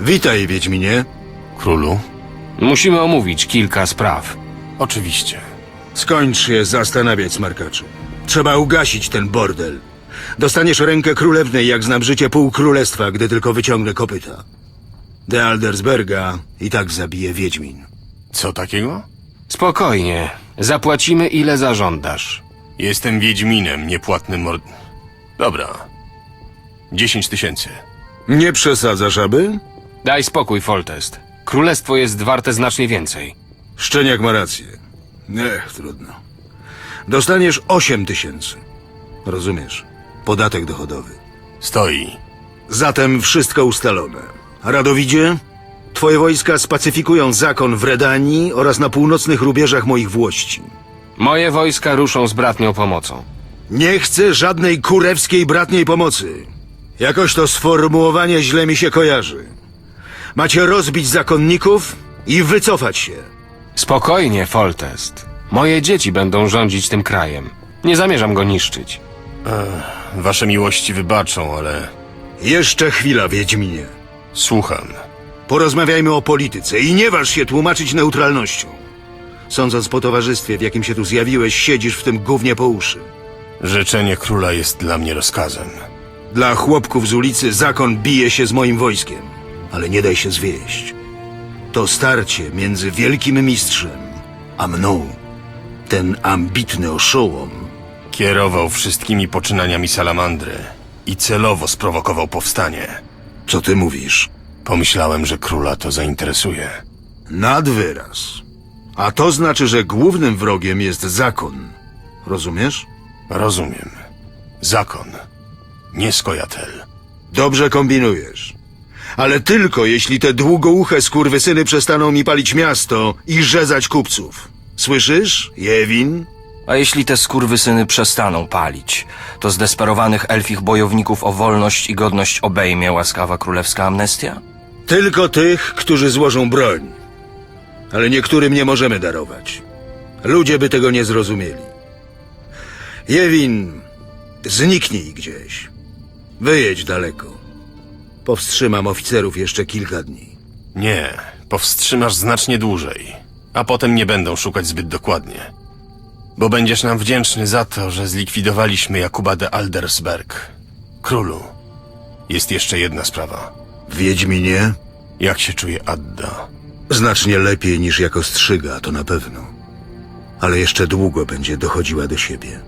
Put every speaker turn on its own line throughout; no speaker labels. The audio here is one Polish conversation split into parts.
Witaj, Wiedźminie.
Królu?
Musimy omówić kilka spraw.
Oczywiście.
Skończ się zastanawiać, smarkaczu. Trzeba ugasić ten bordel. Dostaniesz rękę królewnej, jak znam życie pół królestwa, gdy tylko wyciągnę kopyta. De Aldersberga i tak zabije Wiedźmin.
Co takiego?
Spokojnie. Zapłacimy ile zażądasz.
Jestem Wiedźminem, niepłatnym Dobra. 10 000.
Nie przesadzasz, aby?
Daj spokój, Foltest. Królestwo jest warte znacznie więcej.
Szczeniak ma rację. Trudno. Dostaniesz 8 000. Rozumiesz? Podatek dochodowy.
Stoi.
Zatem wszystko ustalone. Radowidzie, twoje wojska spacyfikują zakon w Redanii oraz na północnych rubieżach moich włości.
Moje wojska ruszą z bratnią pomocą.
Nie chcę żadnej kurewskiej bratniej pomocy. Jakoś to sformułowanie źle mi się kojarzy. Macie rozbić zakonników i wycofać się.
Spokojnie, Foltest. Moje dzieci będą rządzić tym krajem. Nie zamierzam go niszczyć.
Wasze miłości wybaczą, ale...
Jeszcze chwila, Wiedźminie.
Słucham.
Porozmawiajmy o polityce i nie waż się tłumaczyć neutralnością. Sądząc po towarzystwie, w jakim się tu zjawiłeś, siedzisz w tym gównie po uszy.
Życzenie króla jest dla mnie rozkazem.
Dla chłopków z ulicy zakon bije się z moim wojskiem, ale nie daj się zwieść. To starcie między wielkim mistrzem a mną. Ten ambitny oszołom.
Kierował wszystkimi poczynaniami salamandry i celowo sprowokował powstanie.
Co ty mówisz?
Pomyślałem, że króla to zainteresuje.
Nad wyraz. A to znaczy, że głównym wrogiem jest zakon. Rozumiesz?
Rozumiem. Zakon. Nie skojatel.
Dobrze kombinujesz. Ale tylko jeśli te długouche skurwysyny przestaną mi palić miasto i rzezać kupców. Słyszysz, Jewin?
A jeśli te skurwysyny przestaną palić, to zdesperowanych elfich bojowników o wolność i godność obejmie łaskawa królewska amnestia?
Tylko tych, którzy złożą broń. Ale niektórym nie możemy darować. Ludzie by tego nie zrozumieli. Jewin, zniknij gdzieś. Wyjedź daleko. Powstrzymam oficerów jeszcze kilka dni.
Nie, powstrzymasz znacznie dłużej, a potem nie będą szukać zbyt dokładnie. Bo będziesz nam wdzięczny za to, że zlikwidowaliśmy Jakuba de Aldersberg. Królu, jest jeszcze jedna sprawa.
Wiedźminie?
Jak się czuje Adda?
Znacznie lepiej niż jako strzyga, to na pewno. Ale jeszcze długo będzie dochodziła do siebie.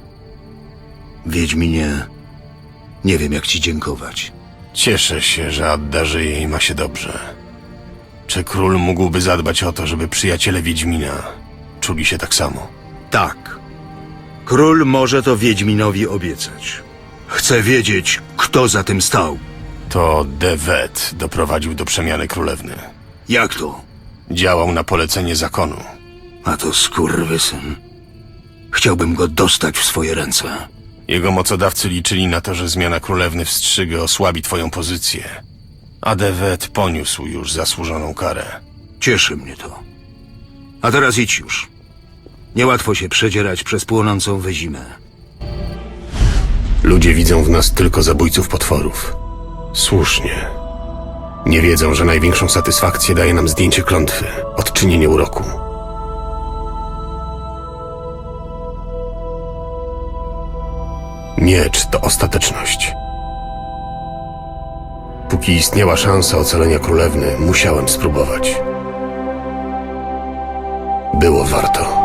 Wiedźminie, nie wiem jak ci dziękować.
Cieszę się, że Adda żyje i ma się dobrze. Czy król mógłby zadbać o to, żeby przyjaciele Wiedźmina czuli się tak samo?
Tak. Król może to Wiedźminowi obiecać. Chcę wiedzieć, kto za tym stał.
To De Wet doprowadził do przemiany królewny.
Jak to?
Działał na polecenie zakonu.
A to skurwysyn. Chciałbym go dostać w swoje ręce.
Jego mocodawcy liczyli na to, że zmiana królewny w Strzygę osłabi twoją pozycję. A De Wet poniósł już zasłużoną karę.
Cieszy mnie to. A teraz idź już. Niełatwo się przedzierać przez płonącą wyzimę.
Ludzie widzą w nas tylko zabójców potworów. Słusznie. Nie wiedzą, że największą satysfakcję daje nam zdjęcie klątwy, odczynienie uroku. Miecz to ostateczność. Póki istniała szansa ocalenia królewny, musiałem spróbować. Było warto.